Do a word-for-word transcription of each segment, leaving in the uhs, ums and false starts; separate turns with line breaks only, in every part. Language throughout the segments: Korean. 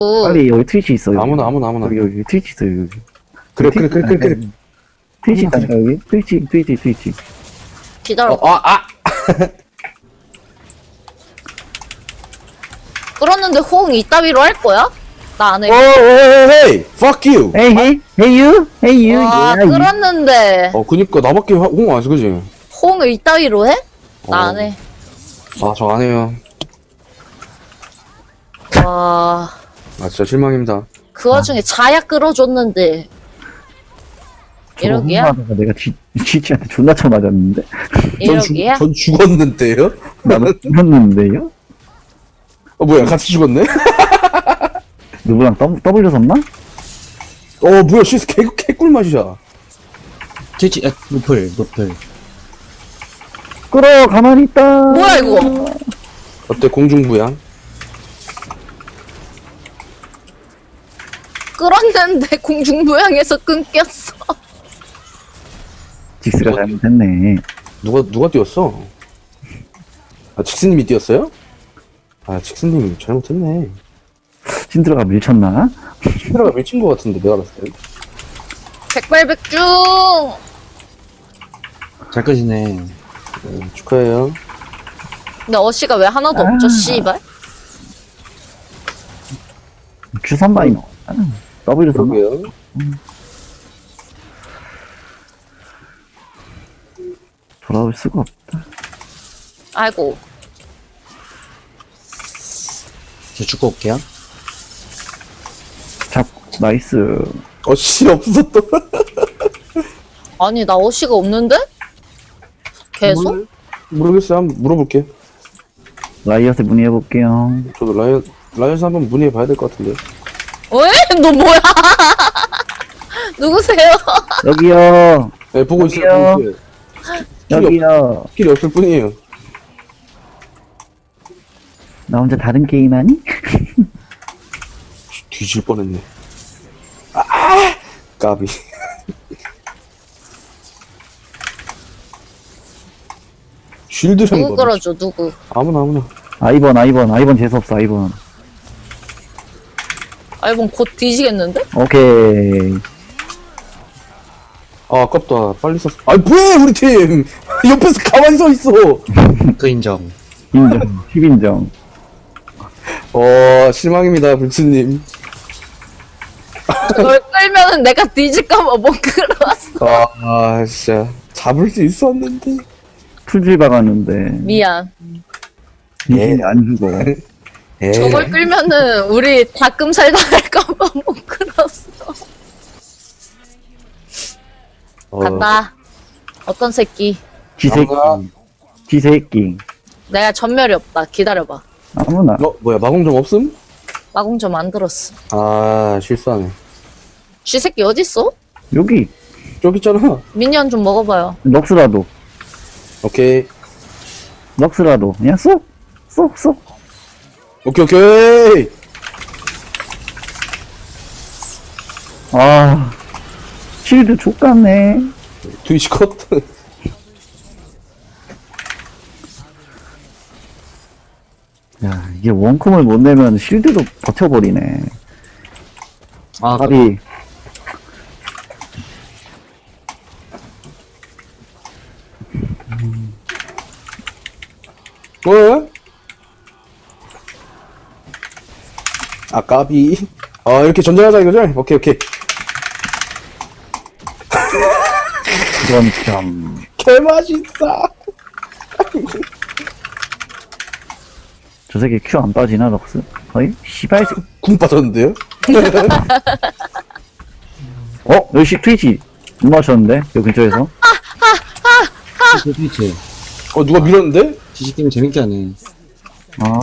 빨리 여기 트위치 있어. 여기.
아무나 아무나 아무나.
여기 여기 트위치 있어 여기.
그래 그래 그래 그래 그래.
트위치 있다니까 여기. 트위치 트위치 트위치.
기다려.
어, 아 아.
끌었는데 호응 이따위로 할 거야? 나 안 해.
오, 헤이, fuck you.
Hey hey hey you hey you.
와,
yeah, you.
끌었는데
어, 그니까 나밖에 홍 안 했어, 그지?
호응을 이따위로 해? 나 안
어.
해.
아, 저 안 해요.
와,
아, 진짜 실망입니다.
그 와중에 자야 끌어줬는데
저거
이러기야?
혼나다가 내가 지 지치한테 존나 쳐 맞았는데.
전, 죽,
이러기야?
전 죽었는데요?
나도 죽었는데요?
어, 뭐야, 같이 죽었네?
누구랑 더, W 섰나?
어, 뭐야, 시스 개, 개꿀 맛이야.
트위치, 아, 노플, 노플.
끌어 가만히 있다.
뭐야 이거?
어때, 공중부양?
끌었는데 공중부양에서 끊겼어.
직스가 잘못했네.
누가, 누가 뛰었어? 아, 직스님이 뛰었어요? 아, 직스님이 잘못했네.
신드라가 밀쳤나?
카메라가 밀친 것 같은데, 내가 봤을 때.
백발백중.
잘 끄시네.
네, 축하해요.
근데 어시가 왜 하나도
아.
없죠? 씨발.
주삼 마이 넣 W 섰나?
그러게요.
돌아올 수가 없다.
아이고.
저 죽고 올게요.
잡 나이스.
어, 씨, 없어, 또.
아니 나 어시가 없는데? 계속?
모르- 모르겠어요. 한번 물어볼게.
라이엇에 문의해 볼게요.
저도 라이언, 라이언스 한번 문의해 봐야 될 것 같은데.
왜? 너 뭐야? 누구세요?
여기요.
네, 보고
여기요.
있어요. 보고 있어요.
여기요.
스킬이 없을 뿐이에요.
나 혼자 다른 게임 하니?
뒤질 뻔했네. 아! 까비. 쉴드랑
누구 끌어줘 누구?
아무나 아무나.
아이번 아이번 아이번 재수없어 아이번.
알본 곧 뒤지겠는데?
오케이.
아, 아깝다. 빨리 썼어. 아, 뭐해, 우리 팀! 옆에서 가만히 서 있어!
그 인정.
인정. 십 인정.
어, 실망입니다, 불츠님.
그걸 끌면은 내가 뒤질까봐 못 끌어왔어.
아, 아, 진짜. 잡을 수 있었는데.
풀질 박았는데.
미안.
미신이 안 죽어.
에
저걸 끌면은 우리 닭금살 당할까봐 못 끌었어.
어,
간다. 어떤 새끼?
지새끼.
나가.
지새끼.
내가 전멸이 없다. 기다려봐.
아무나.
어, 뭐야, 마공점 없음?
마공 좀 안 들었어.
아, 실수하네.
쥐 새끼 어딨어?
여기.
저기 있잖아.
미니언 좀 먹어봐요.
럭스라도.
오케이.
럭스라도. 그냥 쏙. 쏙, 쏙.
오케이, 오케이!
아. 실드 족같네.
트위치 컷.
야, 이게 원컴을 못 내면 실드도 버텨버리네.
아,
까비.
뭐야? 아, 까비. 아, 이렇게 전쟁하자 이거죠? 오케이, 오케이.
그런 점.
개맛있다.
저 새끼 큐 안 빠지나, 럭스? 거의? 씨발. 새-
궁 빠졌는데요?
어? 여기 트위치. 못 맞췄는데? 여기 근처에서?
트위치, 트위치.
어, 누가 밀었는데?
지식 게임 재밌게 하네.
아.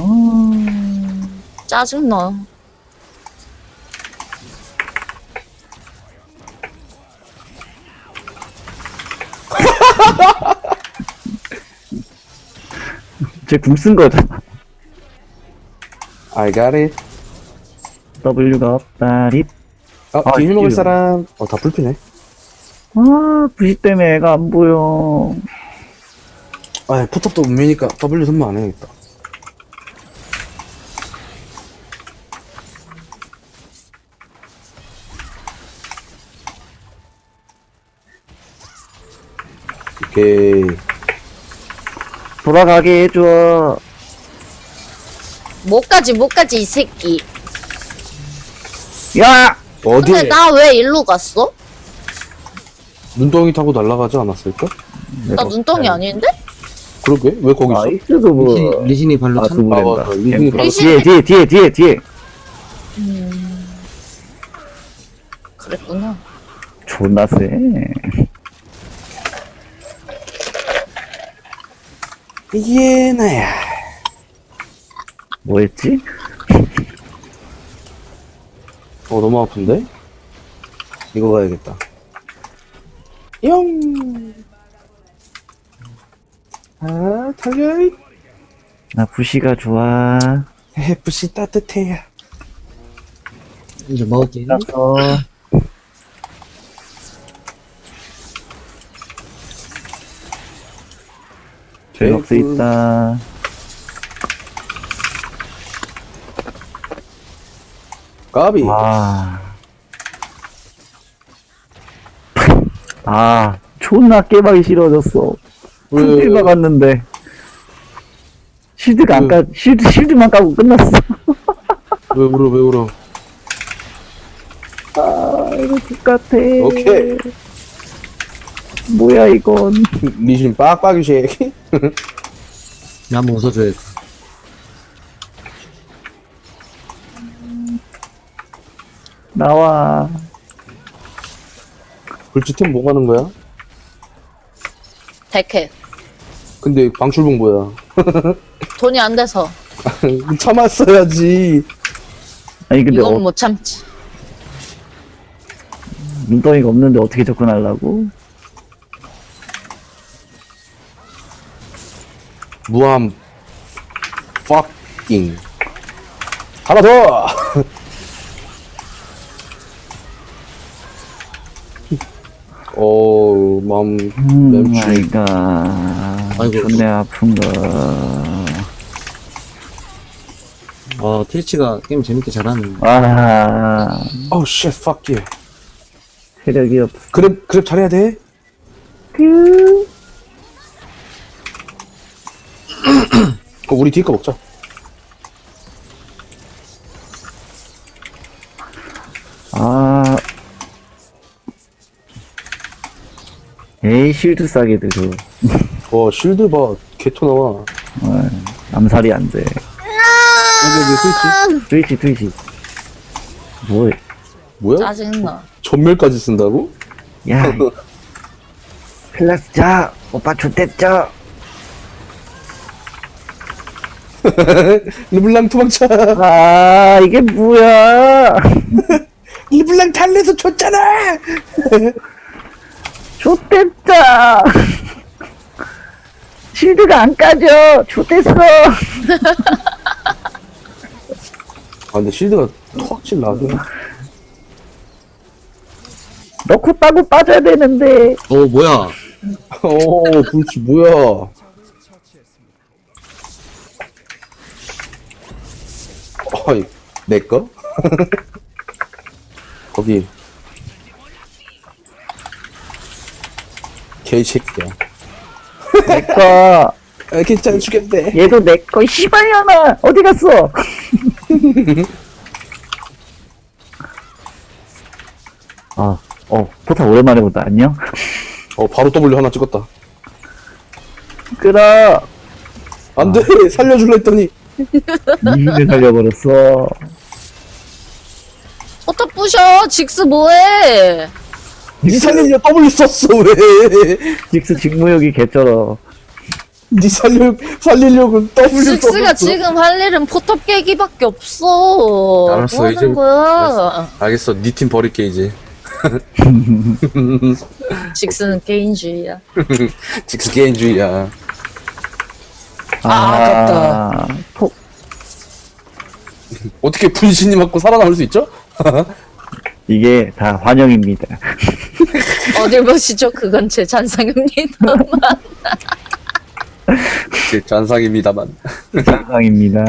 짜증나.
쟤궁 쓴 거잖아.
I got it.
W가 없다리.
아,
아,
뒤에 먹을
이거.
사람. 어, 다 불피네.
아, 부시 때문에 애가 안 보여.
아, 포탑도 운명이니까 W 선물 안 해야겠다. 오케이.
돌아가게 해줘.
못 가지 못 가지 이 새끼.
야!
어디에?
근데 나 왜 일로 갔어?
눈덩이 타고 날아가지 않았을까?
나 눈덩이 아닌데?
그러게? 왜 거기 있어?
나이스도 뭐.
리신, 리신이 발로
아,
찬.
두부
아,
된다.
맞아. 리신이 바로
뒤에, 뒤에, 뒤에, 뒤에, 뒤에.
그랬구나.
존나 세.
얘나야.
뭐 했지?
어, 너무 아픈데? 이거 가야겠다. 영! 아, 달려!
나 부시가 좋아.
해프시 따뜻해요.
이제 먹을게.
어. 제럭스 있다.
까비.
와. 아, 존나 깨박이 싫어졌어.
왜,
풀필
왜,
박았는데. 실드가 안
왜?
까, 실드, 실드만 까고 끝났어.
왜 울어, 왜 울어.
아, 이거 똑같아.
오케이.
뭐야, 이건.
리신 빡빡이 쉐이키.
나 한번 웃어줘야겠다.
나와.
불치템 뭐 가는 거야?
백해.
근데 방출봉 뭐야?
돈이 안 돼서.
참았어야지.
아니, 근데
이건
어,
못 참지.
눈덩이가 없는데 어떻게 접근하려고?
무함 fucking 하나 더. 어 마음
음,
맴추.
아이가.
아이고.
존내 아픈가.
아, 트위치가 게임 재밌게 잘하네.
아,
Oh shit fuck you.
체력이 없어.
그랩 그랩 잘해야 돼.
그,
어, 우리 뒤에 거 먹자.
아. 에이, 실드 싸게 들어.
와 실드 봐 개토 나와.
어, 암살이 안 돼.
여기 여기 스위치.
트위치, 트위치. 뭐해?
뭐야?
짜증나.
전멸까지 쓴다고?
야, 이- 클라스 자, 오빠 좋댔죠?
르블랑 도망쳐.
아, 이게 뭐야?
르블랑 달래서 줬잖아.
좋댔다. 실드가 안 까져. 좋댔어.
아 근데 실드가 턱질 나게.
넣고 따고 빠져야 되는데.
어, 뭐야.
어 불치 뭐야? 어이 내 거? 거기 개새끼야.
내꺼.
아, 괜찮아 죽겠네.
얘도 내꺼. 씨발년아. 어디 갔어? 아, 어, 포탑 오랜만에 본다. 안녕?
어 바로 W 하나 찍었다.
끌어.
안돼 살려줄라 했더니
이민을 살려버렸어.
포탑 부셔. 직스 뭐해?
니 살리려 W 썼어 왜?
직스 직무역이 개쩔어.
니 살려 살리려고 W
직스가
썼어.
지금 할 일은 포탑 깨기밖에 없어.
알았어,
뭐 하는
이제-
거야?
알겠어 니 팀 버릴게 이제.
직스는 개인주의야.
직스 개인주의야.
아,
아깝다.
포,
어떻게 분신이 맞고 살아남을 수 있죠?
이게 다 환영입니다.
어딜 보시죠? 그건 제 잔상입니다만.
제 잔상입니다만.
상상입니다.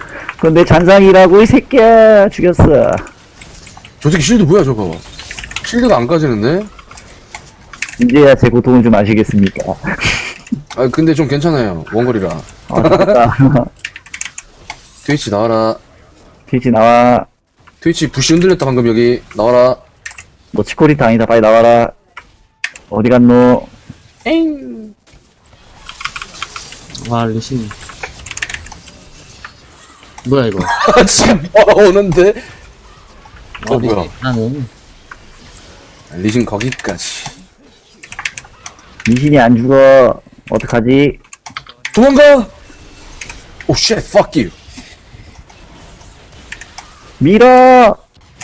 그건 내 잔상이라고 이 새끼야. 죽였어.
저 새끼 실드 뭐야 저거? 실드가 안 까지는데?
이제야 제 고통을 좀 아시겠습니까?
아 근데 좀 괜찮아요. 원거리라.
아, 맞다.
트위치 나와라.
트위치 나와.
트위치 부시 흔들렸다 방금 여기. 나와라.
너 치코리타 아니다. 빨리 나와라. 어디 갔노?
엥.
와, 리신. 뭐야, 이거.
아 지금 오는데?
어,
어, 뭐야.
리신. 나는.
리신 거기까지.
미신이 안 죽어. 어떡하지?
도망가! 오 쉣, fuck you.
밀어!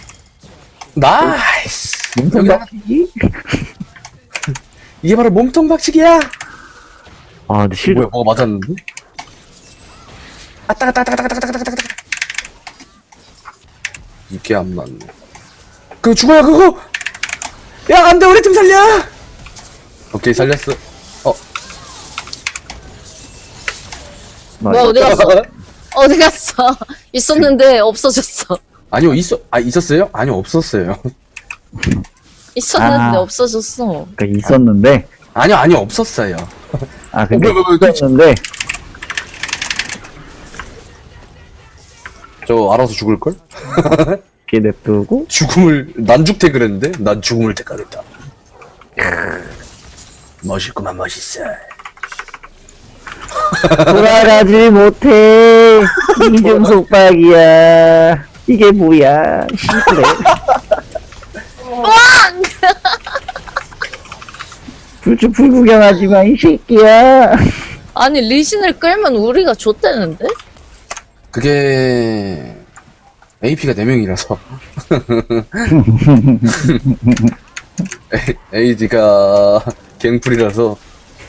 나이스!
몸통
여기 하나-
박치기?
이게 바로 몸통 박치기야!
아, 근데 실드.
뭐야, 뭐가 맞았는데? 아따, 아따, 아따, 아따, 아따, 아따, 아따, 아따. 이게 안 맞네. 그거 죽어요, 그거! 야, 안 돼, 우리 팀 살려! 오케이, 살렸어. 어,
뭐야, 어디 갔어? 어디 갔어? 있었는데 없어졌어.
아니요, 있어, 아, 있었어요? 아니요, 없었어요.
있었는데
아.
없어졌어.
그니까 있었는데.
아니요, 아니요, 없었어요.
아, 근데
어, 뭐야, 뭐야, 뭐야,
있었는데.
저 알아서 죽을걸?
이렇게 냅두고.
죽음을, 난 죽태 그랬는데? 난 죽음을 택하겠다. 멋있구만, 멋있어.
돌아가지 못해. 이중 속박이야. 이게 뭐야. 시그래. 불주 불구경하지 마, 이 새끼야.
아니, 리신을 끌면 우리가 좆대는데?
그게, 에이피가 네 명이라서. 에이디가 갱플이라서.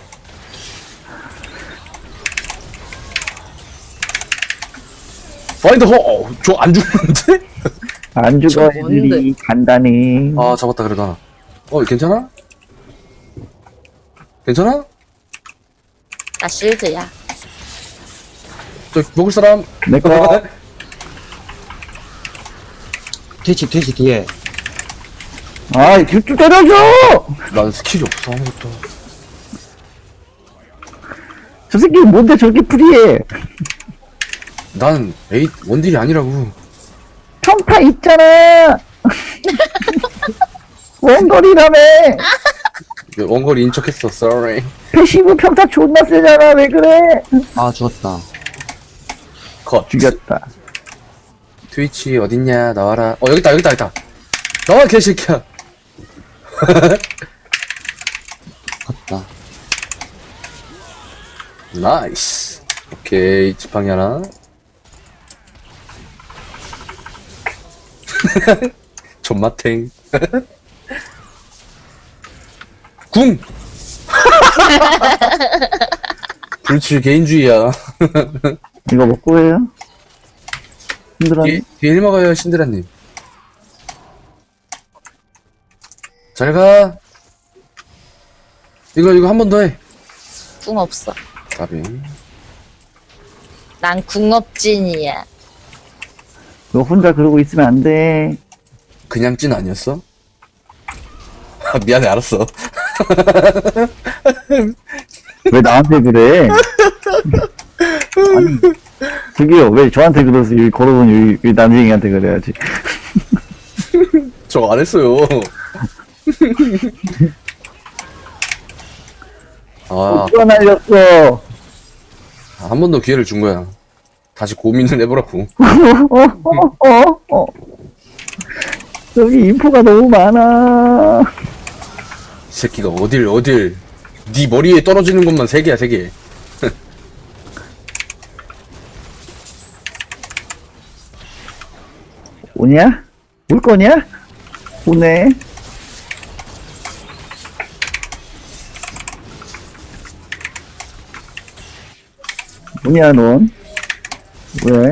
파인드 호! 저 안 죽는데?
안 죽어,
저 뭔데?
애들이. 간단해.
아, 잡았다, 그래도 하나. 어, 괜찮아? 괜찮아?
나 실드야.
저, 먹을 사람?
내 거.
트위치, 트위치 뒤에.
아, 쭉 때려줘!
난 스킬이 없어, 아무것도.
저 새끼 뭔데 저렇게 프리해?
난 에이, 원딜이 아니라고.
평타 있잖아! 원거리라며!
원거리 인척했어, sorry.
패시브 평타 존나 세잖아, 왜 그래?
아, 죽었다.
컷.
죽였다.
트위치 어딨냐, 나와라. 어, 여기다, 여기다, 여기다. 나와, 개새끼야.
갔다.
나이스. 오케이, 지팡이 하나. 존맛탱. 궁! 불치 개인주의야.
이거 먹고 해요? 힘들었니?
뒤에, 뒤에 일 먹어요, 신드라님. 잘 가. 이거, 이거 한 번 더 해.
궁 없어.
까비.
난 궁업진이야.
너 혼자 그러고 있으면 안 돼.
그냥 찐 아니었어? 아, 미안해, 알았어.
왜 나한테 그래? 아니, 저기요, 왜 저한테 그러세요? 여기 걸어보니 여기, 여기 남쟁이한테 그래야지.
저 안 했어요. 아,
또 날렸어.
한 번 더 기회를 준 거야. 다시 고민을 해보라고.
어, 어, 어, 어. 여기 인포가 너무 많아.
이 새끼가 어딜, 어딜. 네 머리에 떨어지는 것만 세 개야, 세 개.
오냐? 올 거냐? 오네. 뭐냐, 넌? 왜?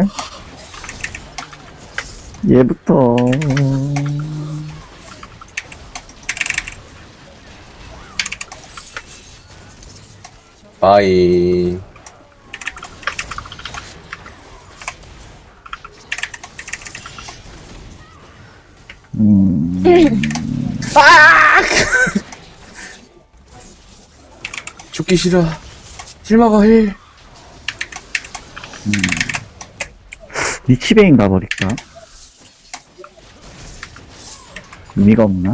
얘부터.
바이.
음,
죽기 싫어. 힐 막아, 힐.
리치베인 가버릴까? 의미가 없나?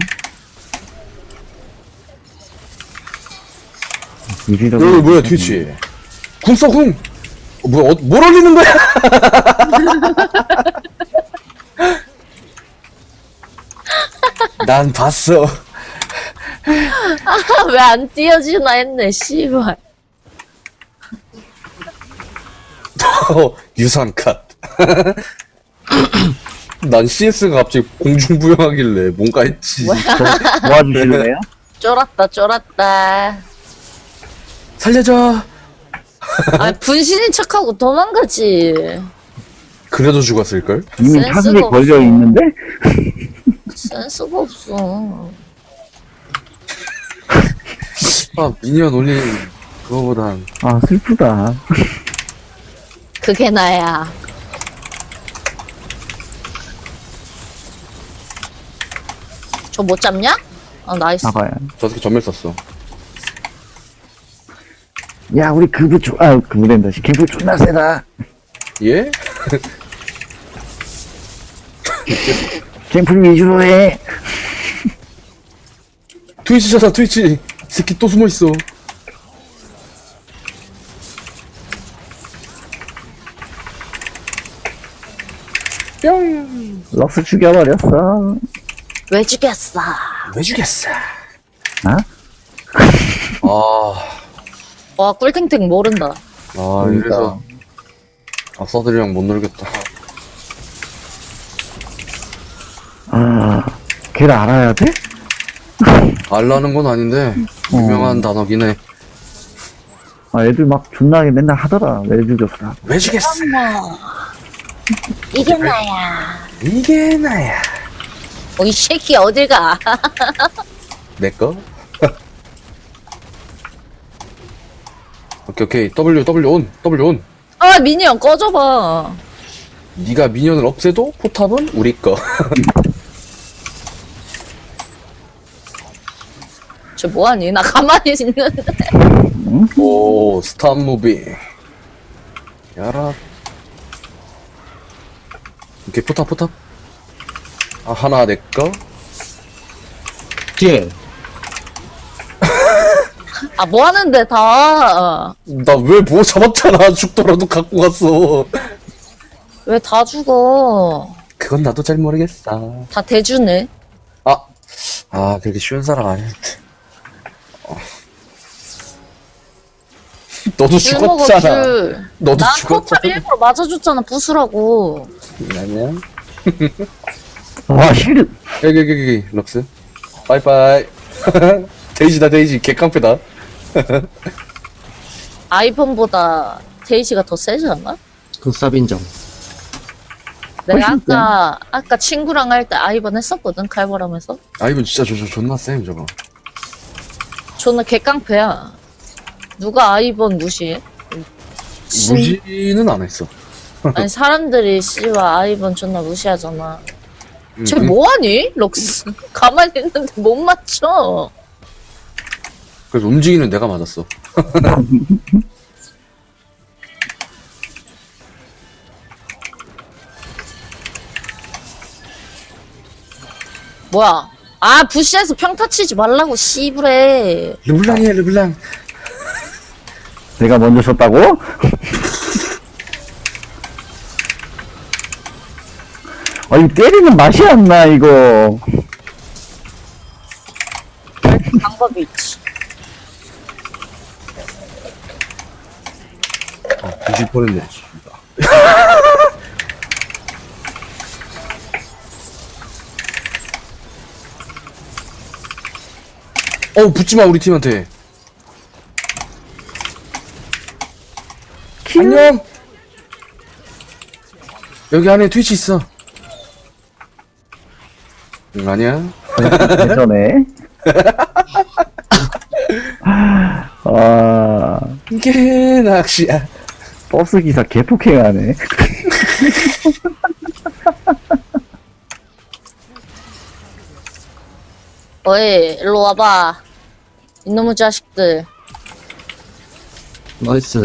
유리력이
여기 뭐야, 트위치. 궁 써, 궁! 어, 뭐야, 어, 뭘 올리는 거야? 난 봤어.
왜 안 띄어지나 했네, 씨발.
어, 유산 컷. 난 씨에스가 갑자기 공중부양하길래 뭔가 했지.
저 도와주실래요?
쫄았다, 쫄았다.
살려줘.
아, 분신인 척하고 도망가지.
그래도 죽었을걸?
이미
센스가
타격에
없어.
걸려 있는데?
센스가 없어.
아, 미니언 올린 그거보단.
아, 슬프다.
그게 나야. 저 못 잡냐? 아, 나이스.
봐봐요.
저 새끼 전멸 썼어.
야, 우리 그부 조, 아, 그부 된다. 씨. 걔부 존나 세다.
예?
갱플 위주로 해.
트위치잖아, 트위치. 이 새끼 또 숨어있어. 뿅!
럭스 죽여버렸어.
왜 죽였어?
왜 죽였어?
아?
아,
와, 꿀탱탱 모른다.
아,
그러니까.
이래서. 아싸들이랑 못 놀겠다.
아, 걔를 알아야 돼?
알라는 건 아닌데, 유명한 단어긴 해.
아, 애들 막 존나게 맨날 하더라. 왜 죽였어?
왜 죽였어?
어머. 이게 나야.
이게 나야.
어, 이 새끼 어딜 가?
내꺼? 오케이, 오케이. W, W 온, W 온.
아, 미니언 꺼져봐.
네가 미니언을 없애도 포탑은 우리 거.
저 뭐하니? 나 가만히 있는데.
오, 스탑 무빙. 야라. 오케이, 포탑, 포탑. 아, 하나 내 거.
뒤에.
아, 뭐 하는데, 다.
나 왜 뭐 잡았잖아. 죽더라도 갖고 갔어.
왜 다 죽어?
그건 나도 잘 모르겠어.
다 대주네.
아, 아, 그렇게 쉬운 사람 아니야. 어. 너도
줄 먹어,
죽었잖아.
줄.
너도
난
죽었잖아.
포탑 일부러 맞아줬잖아, 부수라고.
아니야.
와, 실드.
여기, 여기, 여기, 럭스. 빠이빠이. 데이지다, 데이지. 개깡패다.
아이폰보다 데이지가 더 세지 않아?
그 쌉인정.
내가
훨씬
아까, 아까 친구랑 할 때 아이번 했었거든, 칼바람에서.
아, 이분 진짜 저, 저 존나 쌤, 저거.
저는 개깡패야. 누가 아이번 무시해? 진-
무지는 안 했어.
아니, 사람들이 씨와 아이번 존나 무시하잖아.
음,
쟤
음,
뭐하니? 럭스. 가만히 있는데 못 맞춰.
그래서 움직이는 내가 맞았어.
뭐야? 아, 부시에서 평타 치지 말라고, 씨부래.
르블랑이야, 르블랑.
내가 먼저 썼다고? 아, 이 때리는 맛이 안 나, 이거.
방법이 있지.
아, 뒤질 뻔했네. 어, 붙지마, 우리 팀한테. 안녕! 여기 안에 트위치 있어. 응, 아니야?
예전에. 아,
이게 낚시야.
버스 기사 개폭행하네.
어이, 일로 와봐. 이놈의 자식들.
나이스.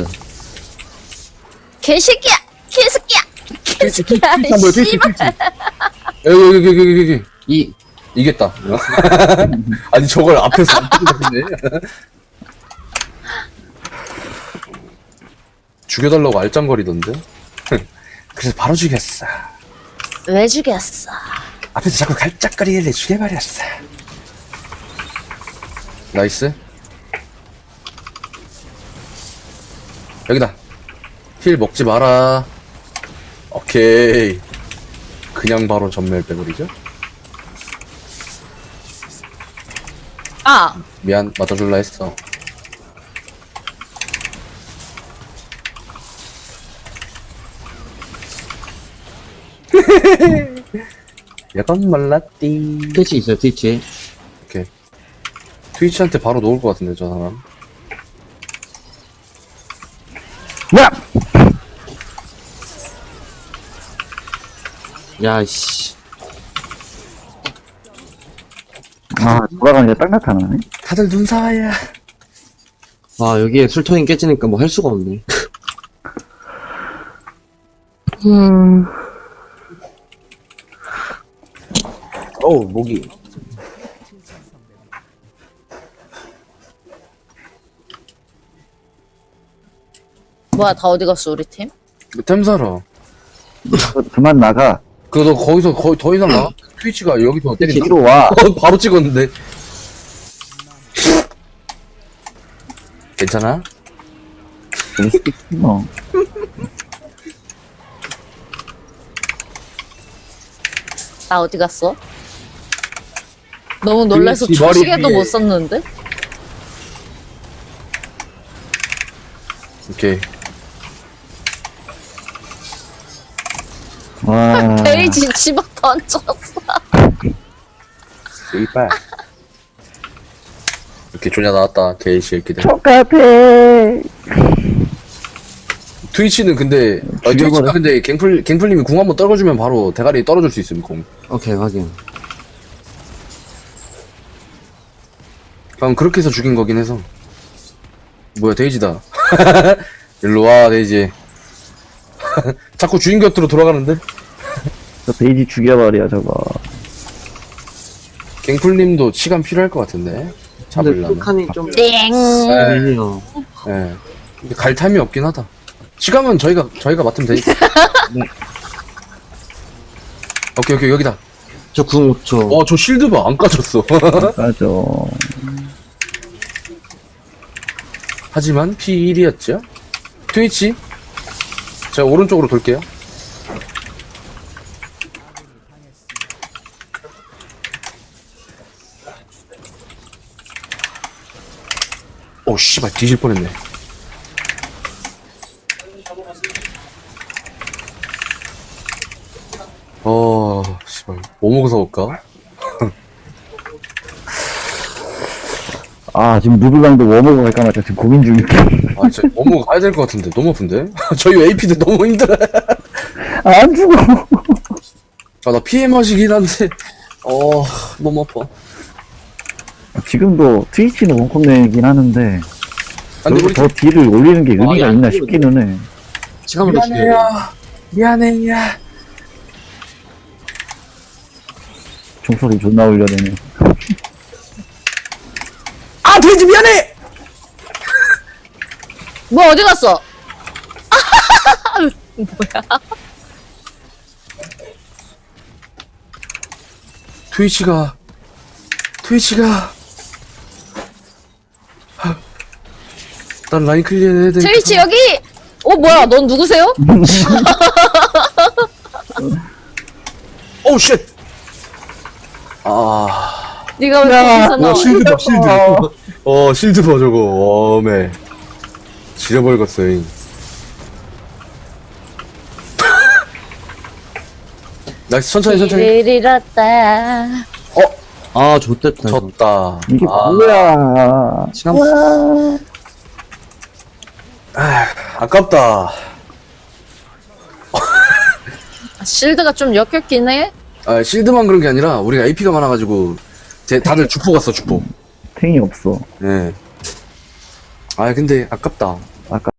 개새끼야! 개새끼야!
트위치,
개새끼야!
트위치 한 번, 트위치,
씨발!
트위치. 여기, 여기, 여기, 여기, 여기.
이,
이겼다. 아니, 저걸 앞에서 안 때리네. 죽여달라고 알짱거리던데? 그래서 바로 죽였어.
왜 죽였어?
앞에서 자꾸 갈짝거리길래 죽여버렸어. 나이스. 여기다. 힐 먹지 마라. 오케이. 그냥 바로 전멸 빼버리죠?
아!
미안, 맞아줄라 했어. 약간 말랐띠.
트위치 있어요, 트위치.
오케이. 트위치한테 바로 놓을 것 같은데, 저 사람.
야!
야, 씨.
아, 돌아가니까 딱 나타나네.
다들 눈사와야.
와, 여기에 술통이 깨지니까 뭐 할 수가 없네.
어우, 목이.
뭐야, 다 어디 갔어, 우리 팀?
템사러.
그만 나가.
그너 거기서 거의 더 이상 나? 트위치가 여기서 때린다?
뒤로 와.
어, 바로 찍었는데. 괜찮아?
그럴 수도 있지, 뭐.
나 어디 갔어? 너무 놀라서
그렇지, 머리
초시계도
위에.
못 썼는데?
오케이.
와.
베이지 집어 던졌어.
이빨. 이렇게 조냐 나왔다, 게이시 이렇게들.
똑같아.
트위치는 근데, 아, 트위치가
죽여버려.
근데 갱플, 갱플님이 궁 한번 떨궈주면 바로 대가리 떨어질 수 있음, 공.
오케이, 확인.
방금 그렇게 해서 죽인 거긴 해서. 뭐야, 데이지다. 일로 와, 데이지. 자꾸 주인 곁으로 돌아가는데?
저 베이지 죽여버려, 저거.
갱플님도 시간 필요할 것 같은데?
근데
잡으려면.
풀칸이 좀.
땡!
네.
아니에요.
예. 근데 갈 탐이 없긴 하다. 시간은 저희가, 저희가 맡으면 되니까.
네.
오케이, 오케이, 여기다.
저 궁 오 초.
어, 저 실드 봐. 안 까졌어.
맞아.
하지만 피 일이었죠? 트위치. 제가 오른쪽으로 돌게요. 오, 씨발, 뒤질 뻔했네. 어, 씨발, 뭐 먹어서 올까?
아, 지금 누블랑도 워머그 갈까 말까 지금 고민 중인데.
아, 진짜 너무 가야 될 것 같은데. 너무 아픈데? 저희 에이피들 너무 힘들어요.
아, 안 죽어.
아, 나 피해 마시긴 한데. 어, 너무 아파.
지금도 트위치는 원컵 내긴 하는데,
아, 근데
여기서
우리
더 딜을 올리는 게 의미가
야,
있나
이거-
싶기는 해.
시간으로 죽여야
미안해요. 미안해요.
종소리 존나 올려내네.
아, 돼지 미안해!
뭐 어디 갔어? 뭐야?
트위치가, 트위치가. 하, 난 라인 클리어 해야 돼.
트위치 여기! 어 뭐야? 넌 누구세요?
오우, 쉣! 아.
네가 왜 거기서 나와?
실드 봐, 실드. 어, 실드 봐, 저거. 어메. 지려버렸어요. 나이스, 천천히, 천천히.
길을 잃었다.
아, 좋됐다. 이거.
졌다.
이게
아,
뭐야.
시간.
아, 아깝다.
아, 실드가 좀 역겹긴 해.
아, 실드만 그런 게 아니라, 우리가 에이피가 많아가지고, 제 다들 주포 갔어 주포.
탱이 없어.
예. 아 근데 아깝다.